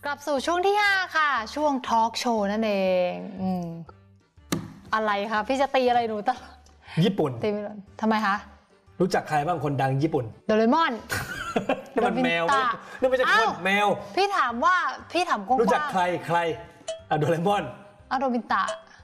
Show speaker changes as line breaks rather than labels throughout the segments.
กลับสู่ช่วงที่5ค่ะช่วงทอล์กโชว์นั่นเองอะไรคะพี่จะตีอะไรหนูตลอด
ญี่ปุ่น
ตีทำไมคะ
รู้จักใครบ้างคนดังญี่ปุ่น
โดเรมอน
นี่มันแมวนี่ไม่ใช่คนแมว
พี่ถามกว้างๆ
รู้จักใครโดเรมอน
โนบิตะ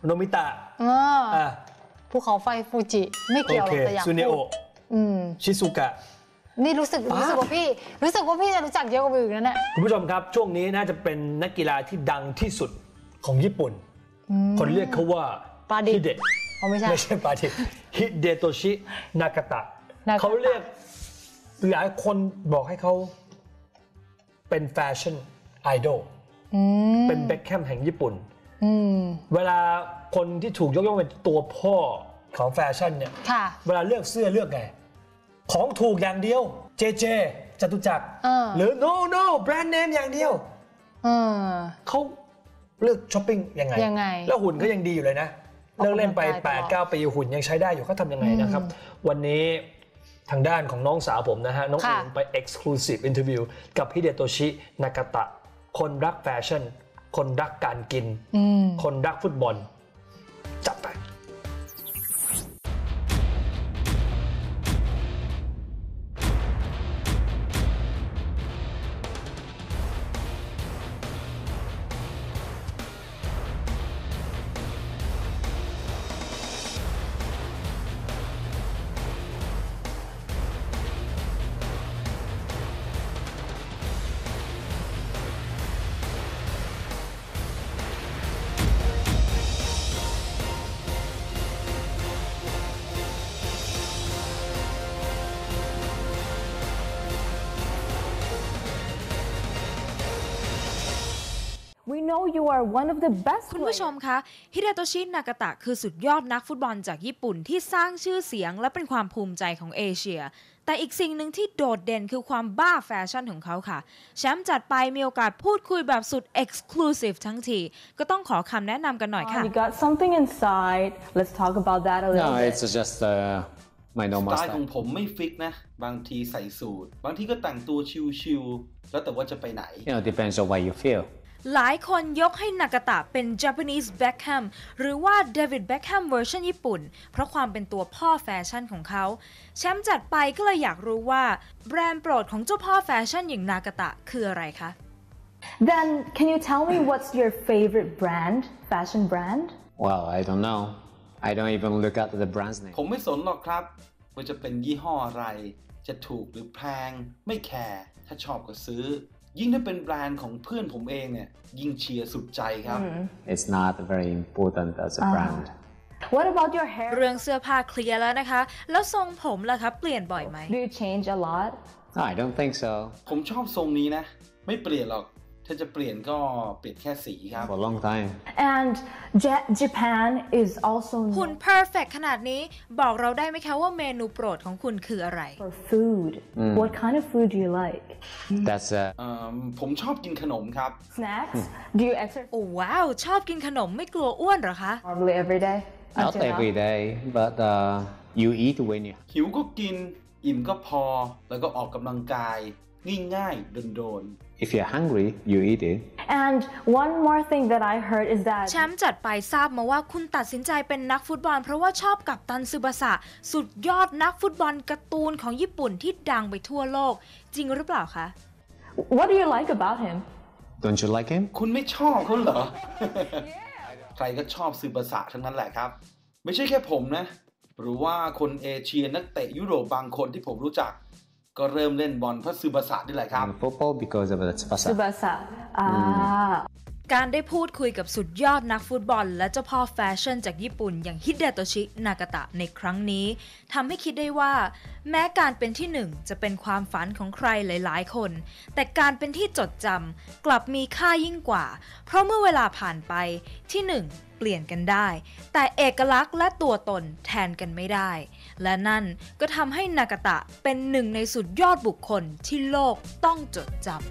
ภูเขาไฟฟูจิไม่เกี่ยวหรอกแต่อยากพูด
ซูเนโอชิซุกะ
นี่รู้สึกว่าพี่จะรู้จักเยอะกว่าอื่นนั่นแหละ
คุณผู้ชมครับช่วงนี้น่าจะเป็นนักกีฬาที่ดังที่สุดของญี่ปุ่นคนเรียกเขาว่าฮิเดะไม่ใช่ปาดิฮิเดโตชินากาตะเขาเรียกหลายคนบอกให้เขาเป็นแฟชั่นไอดอลเป็นเบ็คแฮมแห่งญี่ปุ่นเวลาคนที่ถูกยกย่องเป็นตัวพ่อของแฟชั่นเนี่ยเวลาเลือกเสื้อเลือกไงของถูกอย่างเดียวเจจตุจักรหรือ no แบรนด์เนมอย่างเดียวเขาเลือกช้อปปิ้งยังไงแล้วหุ่นก็ยังดีอยู่เลยนะเลิกเล่นไป 8-9 ปีหุ่นยังใช้ได้อยู่เขาทำยังไงนะครับวันนี้ทางด้านของน้องสาวผมนะฮะน้องอิงไป Exclusive Interview กับฮิเดโตชินากาตะคนรักแฟชั่นคนรักการกินคนรักฟุตบอลจับไป
คุณผู้ชมคะฮิเดโตชินากาตะคือสุดยอดนักฟุตบอลจากญี่ปุ่นที่สร้างชื่อเสียงและเป็นความภูมิใจของเอเชียแต่อีกสิ่งหนึ่งที่โดดเด่นคือความบ้าแฟชั่นของเขาค่ะแชมป์จัดไปมีโอกาสพูดคุยแบบสุด Exclusive ทั้งทีก็ต้องขอคำแนะนำกันหน่อยค่ะ
You got something inside. Let's talk about that a little bit.
No, it's just my normal
สไตล์ของผมไม่ฟิกนะบางทีใส่สูทบางทีก็แต่งตัวชิลๆแล้วแต่ว่าจะไปไหน
depends on what you feel.
หลายคนยกให้นากาตะเป็น Japanese Beckham หรือว่า David Beckham เวอร์ชันญี่ปุ่นเพราะความเป็นตัวพ่อแฟชั่นของเขาแชมป์จัดไปก็เลยอยากรู้ว่าแบรนด์โปรดของเจ้าพ่อแฟชั่นอย่างนากาตะคืออะไรคะ
Then can you tell me what's your favorite brand, fashion brand?
Well, I don't know. I don't even look at the brand's name.
ผมไม่สนหรอกครับว่าจะเป็นยี่ห้ออะไรจะถูกหรือแพงไม่แคร์ถ้าชอบก็ซื้อยิ่งถ้าเป็นแบรนด์ของเพื่อนผมเองเนี่ยยิ่งเชียร์สุดใจครับ
It's not very important as a brand.
What about your hair?
เรื่องเสื้อผ้าเคลียร์แล้วนะคะแล้วทรงผมล่ะคะเปลี่ยนบ่อยไหม
Do you change a lot?
No, I don't think so.
ผมชอบทรงนี้นะไม่เปลี่ยนหรอกถ้าจะเปลี่ยนก็เปลี่ยนแค่สีครับ
For a long time.
And Japan is also
หุ่น perfect ขนาดนี้บอกเราได้ไหมคะว่าเมนูโปรดของคุณคืออะไร
for food. What kind of food do you like?
That's
ผมชอบกินขนมครับ
Snacks? Do you exercise?
โอ้ว้าวชอบกินขนมไม่กลัวอ้วนเหรอคะ
Probably every day.
not every day, but you eat when you.
หิวก็กินอิ่มก็พอแล้วก็ออกกำลังกายง่ายๆโดน
If you're hungry, you eat it.
And one more thing that I heard is that
แชมป์จัดไปทราบมาว่าคุณตัดสินใจเป็นนักฟุตบอลเพราะว่าชอบกัปตันซึบาสะสุดยอดนักฟุตบอลการ์ตูนของญี่ปุ่นที่ดังไปทั่วโลกจริงหรือเปล่าคะ
What do you like about him?
Don't you like him?
คุณไม่ชอบเขาเหรอ ใครก็ชอบซึบาสะทั้งนั้นแหละครับไม่ใช่แค่ผมนะหรือว่าคนเอเชียนักเตะยุโรปบางคนที่ผมรู้จักก็เริ่มเล่นบอลเพราะซึบาสะนี่แหละครับ
Football because of Tsubasa.
Tsubasa.
การได้พูดคุยกับสุดยอดนักฟุตบอลและเจ้าพ่อแฟชั่นจากญี่ปุ่นอย่างฮิเดโตชินากาตะในครั้งนี้ทำให้คิดได้ว่าแม้การเป็นที่หนึ่งจะเป็นความฝันของใครหลายๆคนแต่การเป็นที่จดจำกลับมีค่ายิ่งกว่าเพราะเมื่อเวลาผ่านไปที่หนึ่งเปลี่ยนกันได้แต่เอกลักษณ์และตัวตนแทนกันไม่ได้และนั่นก็ทำให้นากาตะเป็นหนึ่งในสุดยอดบุคคลที่โลกต้องจดจำ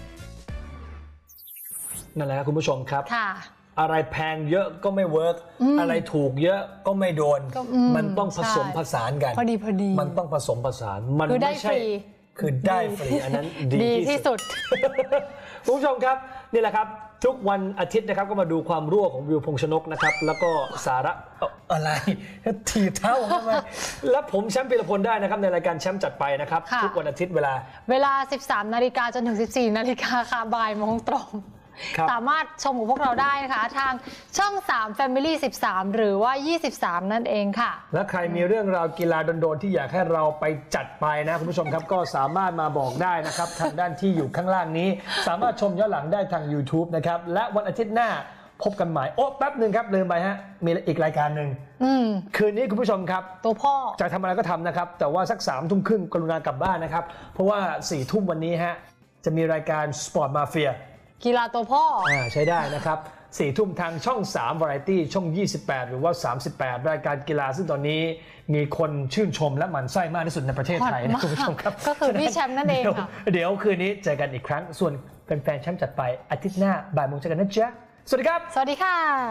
นั่นแหละคุณผู้ชมครับอะไรแพงเยอะก็ไม่เวิร์กอะไรถูกเยอะก็ไม่โดนมันต้องผสมผสานกัน
พอดี
มันต้องผสมผสานมันไม่ใช่คือได้ฟรีอันนั้นดี
ที่
ที่
สุ
สุ
ด
ด คุณผู้ชมครับนี่แหละครับทุกวันอาทิตย์นะครับก็มาดูความรั่วของวิวพงษ์ชนกนะครับแล้วก็สาระอะไรถีบเท้าผมทำไมและผมแชมป์พีรพลได้นะครับในรายการแชมป์จัดไปนะครับ
ค่ะ
ทุกวันอาทิตย์เวลา
13 นาฬิกาจนถึง 14 นาฬิกาค่ะบ่ายโมงตรง
ครับ
สามารถชมกับพวกเราได้นะคะทางช่อง 3 Family 13 หรือว่า 23 นั่นเองค่ะ
และใครมีเรื่องราวกีฬาโดนๆที่อยากให้เราไปจัดไปนะคุณผู้ชมครับก็สามารถมาบอกได้นะครับ ทางด้านที่อยู่ข้างล่างนี้ สามารถชมย้อนหลังได้ทาง YouTube นะครับและวันอาทิตย์หน้าพบกันใหม่โอ้แป๊บหนึ่งครับลืมไปฮะมีอีกรายการหนึ่งคืนนี้คุณผู้ชมครับ
ตัวพ่อ
จะทำอะไรก็ทำนะครับแต่ว่าสัก3 ทุ่มครึ่งกรุณากลับบ้านนะครับเพราะว่า4 ทุ่มวันนี้ฮะจะมีรายการ Sport Mafia
กีฬาตัวพ่อ
ใช้ได้นะครับ4 ทุ่มทางช่อง3 Variety ช่อง 28 หรือว่า 38 รายการกีฬาซึ่งตอนนี้มีคนชื่นชมและหมั่นไส้มากที่สุดในประเทศไทยนะคุณผู้ชมครับ
ก็คือพี่แชมป์นั่นเองค่ะ
เดี๋ยวคืนนี้เจอกันอีกครั้งส่วนแฟนๆแชมป์จัดไปอาทิตย์หน้าบ่ายโมงเจอกันนะจ๊ะสวัสดีครับ
สวัสดีค่ะ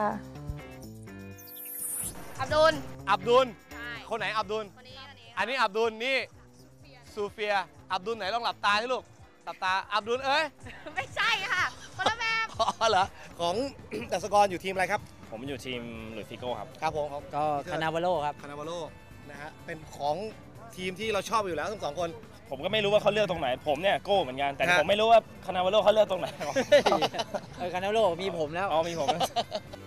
อับดุล
อับดุล
ใช่
คนไหนอับดุล
คนนี้
อันนี้อับดุล นี่ซูเฟีย อับดุลไหนลองหลับตาให้ลูก หลับตา อับดุลเอ้ย
ไม่ใช่ค่ะคนละแบบ
อ๋อเหรอ ของ ดัสกรอยู่ทีมอะไรครับ
ผมอยู่ทีมหลุยส์ฟิโก้ครับ
ครับผม
ก็คานาวาโลครับ
คานาวาโลนะฮะ เป็นของทีมที่เราชอบอยู่แล้วทั้งสองคน
ผมก็ไม่รู้ว่าเขาเลือกตรงไหน ผมเนี่ยโก้เหมือนกัน แต่
ฮะ
ผมไม่รู้ว่าคานาวาโลเขาเลือกตรงไหน
คานาโลมีผมแล้ว
อ๋อมีผม